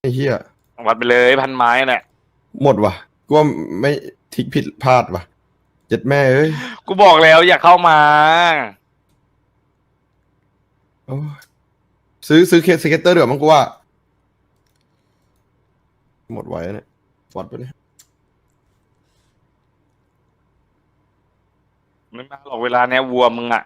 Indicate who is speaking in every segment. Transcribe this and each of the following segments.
Speaker 1: ไอ้เหี้ย
Speaker 2: วัดไปเลยพันไม้เนี่ย
Speaker 1: หมดว่ะกูว่าไม่ทิกผิดพลาดว่ะเจ็ดแม่เอ้ย
Speaker 2: กูบอกแล้วอย่าเข้ามา
Speaker 1: โอ้ยซื้อเคสสเก็ตเตอร์เดี๋ยวมั้งกูว่าหมดไว้เนี่ยวัดไปเนี่ย
Speaker 2: ไม่มาหรอกเวลาเนี้ยวัวมึงอ่ะ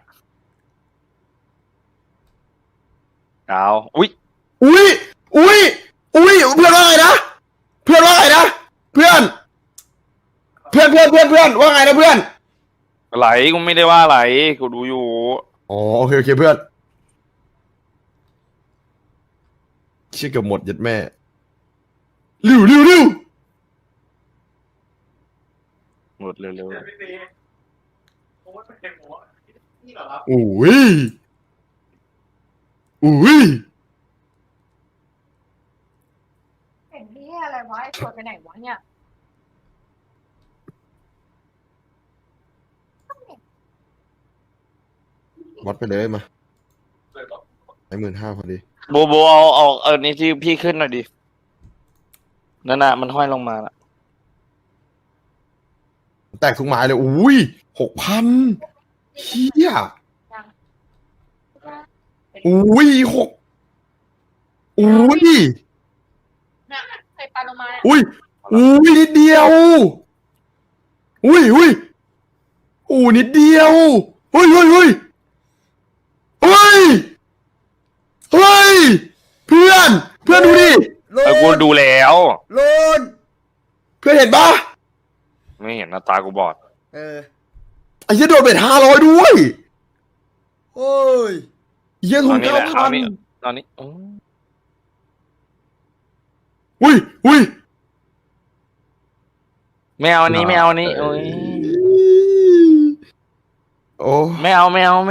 Speaker 2: เอาอุ้ย
Speaker 1: อุ้ยอุ้ยอุ้ยเพื่อนว่าไงนะเพื่อนว่าไงนะเพื่อนว่าไงนะเพื่อน
Speaker 2: ไหลกูไม่ได้ว่าไหลกูดูอยู่
Speaker 1: อ๋อโอเคเพื่อนเชี่ยเกือบหมดเจ็ดแม่ริว
Speaker 2: หมดเร็ว
Speaker 1: อุ้ยอุ้ย
Speaker 3: เห็นนี่อะไรวะไอ้ตัวไปไหนวะเนี่ย
Speaker 1: วัดไปเลยมาให้15,000พอดี
Speaker 2: ๆโบเอานี่ที่พี่ขึ้นหน่อยดินั่นน่ะมันห้อยลงมาละ
Speaker 1: แตกทุกไม้เลยอุ้ย6,000เฮียอุ้ยอุ้ย
Speaker 3: นะเคยปลาโลมา
Speaker 1: อุ้ยนิดเดียวอุ้ยนิดเดียวเฮ้ยเพื่อนดูดิ
Speaker 2: กูดูแล้ว
Speaker 4: โลน
Speaker 1: เพื่อนเห็นปะ
Speaker 2: ไม่เห็นนะตากูบอด
Speaker 1: ไอ้เหี้ยโดนเบ็ด500ด้วย
Speaker 4: โอ้ย
Speaker 1: เหี้ย
Speaker 2: ต
Speaker 1: ทุ
Speaker 2: อน
Speaker 1: น
Speaker 2: นี้แหละเอานี่
Speaker 1: 9,000
Speaker 2: ตอนนี้
Speaker 1: อุ้ย
Speaker 2: ไม่เอาอันนี้ไม่เอาอันนี้โอ้ย
Speaker 1: โอ้
Speaker 2: ไม่เอา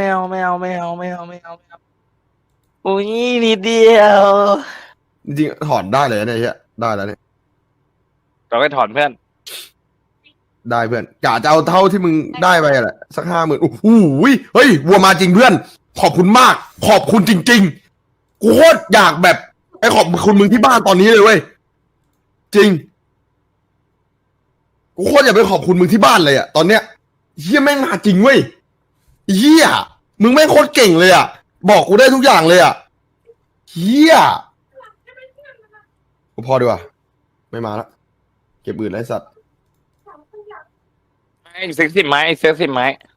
Speaker 2: อุ้ยนิดเดียว
Speaker 1: จริงๆถอนได้เลยเนี่ยเฮียได้แล้วเนี่ย
Speaker 2: เราก็ถอนเพื่อน
Speaker 1: ได้เพื่อนกะจะเอาเท่าที่มึงได้ไปแหละสัก50,000โอ้โหเฮ้ยวัวมาจริงเพื่อนขอบคุณมากขอบคุณจริงๆกูโคตรอยากแบบไอ้ขอบคุณมึงที่บ้านตอนนี้เลยเว้ยจริงกูโคตรอยากไปขอบคุณมึงที่บ้านเลยอะตอนเนี้ยเฮียแม่งมาจริงเว้ยเฮียมึงแม่งโคตรเก่งเลยอะบอกกูได้ทุกอย่างเลยอะเฮียกูพอดีกว่าไม่มาละเก็บอื่นไรสัตว์
Speaker 2: ไอ้เซ็กซี่ไม้